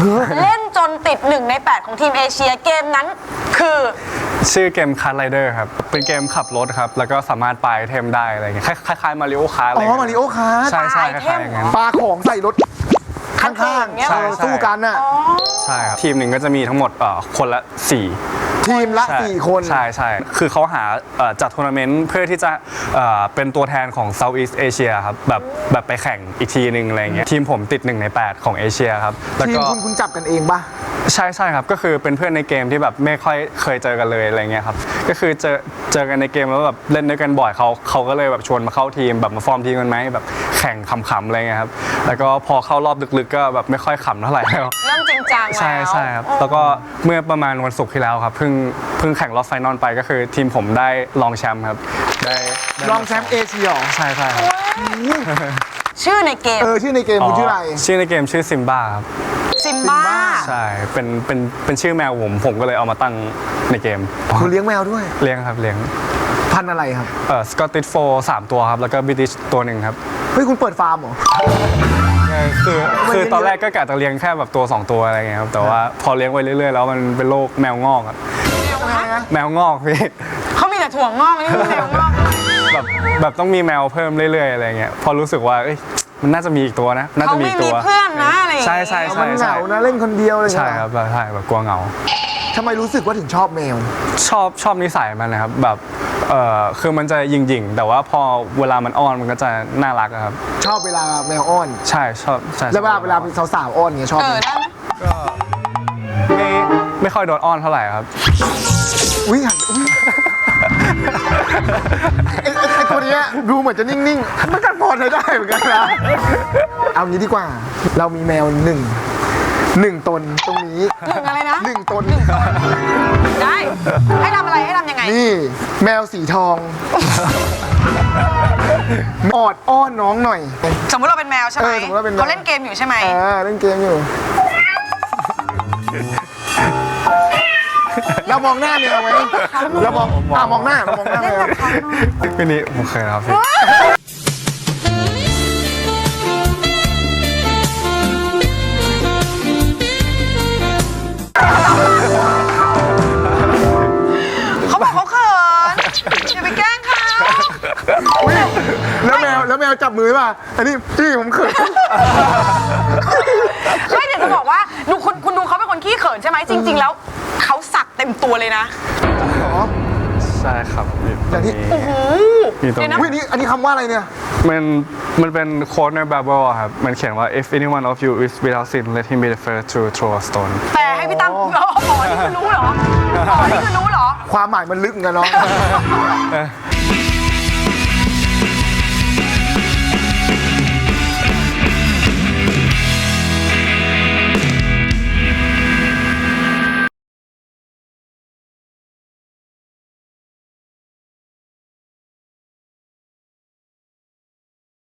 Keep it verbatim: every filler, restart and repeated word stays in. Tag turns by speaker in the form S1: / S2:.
S1: เล่นจนติดหนึ่งในแปดของทีมเอเชียเกมนั้นคือ
S2: ชื่อเกมคาร์ไรเดอร์ครับเป็นเกมขับรถครับแล้วก็สามารถปาไอเทมได้อะไรเงี้ยคล้ายๆมาริโอคาร์อะไรอ๋
S3: อมาริโอคาร์
S2: ใช่ใช่คล้ายๆอย่างนั้น
S3: ปาของใส่รถข้างๆสู้กันน่ะ
S2: ใช่ครับทีมหนึ่งก็จะมีทั้งหมดคนละสี่
S3: ทีมละสี่คน
S2: ใช่ใช่คือเขาหาจัดทัวร์นาเมนต์เพื่อที่จะเป็นตัวแทนของ Southeast Asia ครับแบบแบบไปแข่งอีกทีหนึ่งอะไรเงี้ยทีมผมติดหนึ่งในแปดของเอเชียครับ
S3: แล้วก็ทีมคุณคุณจับกันเองปะ
S2: ใช่ใช่ครับก็คือเป็นเพื่อนในเกมที่แบบไม่ค่อยเคยเจอกันเลยอะไรเงี้ยครับก็คือเจอเจอกันในเกมแล้วแบบเล่นด้วยกันบ่อยเขาเขาก็เลยแบบชวนมาเข้าทีมแบบมาฟอร์มทีมกันไหมแบบแข่งขำๆอะไรเงี้ยครับแล้วก็พอเข้ารอบลึกๆก็แบบไม่ค่อยขำเท่าไหร่แล้ว
S1: เริ่มจริงจังแล้ว
S2: ใช่ใช่ครับแล้วก็เมื่อประมาณวันศุกร์ที่แล้วครับเพิ่งเพิ่งแข่งรอบไฟนอลไปก็คือทีมผมได้รองแชมป์ครับได้
S3: รองแชมป์เอเชีย
S2: ใช่ใช่ครับ
S1: ชื่อในเกม
S3: เออชื่อในเกมคุณชื่ออะไร
S2: ชื่อในเกมชื่อซิมบ้าครับ
S1: ซิมบ้า
S2: ใช่เป็นเป็นเป็นชื่อแมวผมผมก็เลยเอามาตั้งในเกม
S3: คุณเลี้ยงแมวด้วย
S2: เลี้ยงครับเลี้ยง
S3: พันธุ์อะไรครับ
S2: เออสกอตติชโฟร์สามตัวครับแล้วก็บิติชตัวหนึ่งครับ
S3: เฮ้ยคุณเปิดฟาร์มเหรอ
S2: คือคือตอนแรกก็กะจะเลี้ยงแค่แบบตัวสองตัวอะไรเงี้ยครับแต่ว่าพอเลี้ยงไปเรื่อยๆแล้วมันเป็นโรคแมวงอกครับแมวงอกพี่
S1: เขามีแต่ถั่วงอกไม่มีแมวงอก
S2: แบบแบบต้องมีแมวเพิ่มเรื่อยๆอะไรเงี้ยพอรู้สึกว่าเอ้ยมันน่าจะมีอีกตัวนะน่าจะมีอีกตัว
S1: เขาไม่มีเพื่อนนะอะไร
S2: ใช่ใช่ใช่
S3: มันเหงานะเล่นคนเดียวเลย
S2: ใช่ครับใช่แบบกลัวเหงา
S3: ทำไมรู้สึกว่าถึงชอบแมว
S2: ชอบชอบนิสัยมันนะครับแบบเออคือมันจะยิงยิงแต่ว่าพอเวลามันอ้อนมันก็จะน่ารักครับ
S3: ชอบเวลาแมวอ้อน
S2: ใช่ชอบใช่
S3: แล้วเวลาเวลาสาวๆอ้อนเงี้ยชอบไหม
S2: ก็ไม่ไม่ค่อยโดนอ้อนเท่าไหร่ครับ
S3: อุ้ยหันอุ้ยไอ้ไอ้ตัวนี้ดูเหมือนจะนิ่งๆมันกันพอใช้ได้เหมือนกันนะเอางี้ดีกว่าเรามีแมวหนึ่งหนึ่งตนตรงนี้
S1: หนึ่งอะไรนะ
S3: หนึ่งตน
S1: ได้ให้ทำอะไรให้ทำยังไง
S3: นี่แมวสีทองออดอ้อนน้องหน่อย
S1: สมมติเราเป็นแมวใช่ไหมเขาเล่นเกมอยู่ใช่ไหม
S3: อ่าเล่นเกมอยู่เรามองหน้าแมวไหมเรามองอ่ามองหน้ามองหน้าแมว
S2: พี่นี้ผมเคยครับ
S1: เขาบอกเขาเขินอย่าไปแกล้งเขา
S3: แล้วแมวแล้วแมวจับมือป่ะอันนี้พี่ผมเขิน
S1: ไม่เดี๋ยวจะบอกว่าดูคุณคุณดูเขาเป็นคนขี้เขินใช่ไหมจริงๆแล้วเขาสักเต็มตัวเลยนะ
S2: ใช่ครับ
S3: อย่างที่
S1: โอ้โห
S3: เดี๋ยวนะนี่อันนี้คำว่าอะไรเนี่ย
S2: มันมันเป็นโค้ดใน Bible ครับมันเขียนว่า if anyone of you is without sin let him be the first to throw a stone
S1: แต่ให้พี่ตั้มอ๋อนี่คือรู้เหรออ๋อนี่คือรู้เหรอ
S3: ความหมายมันลึกเหมือนกันเนาะ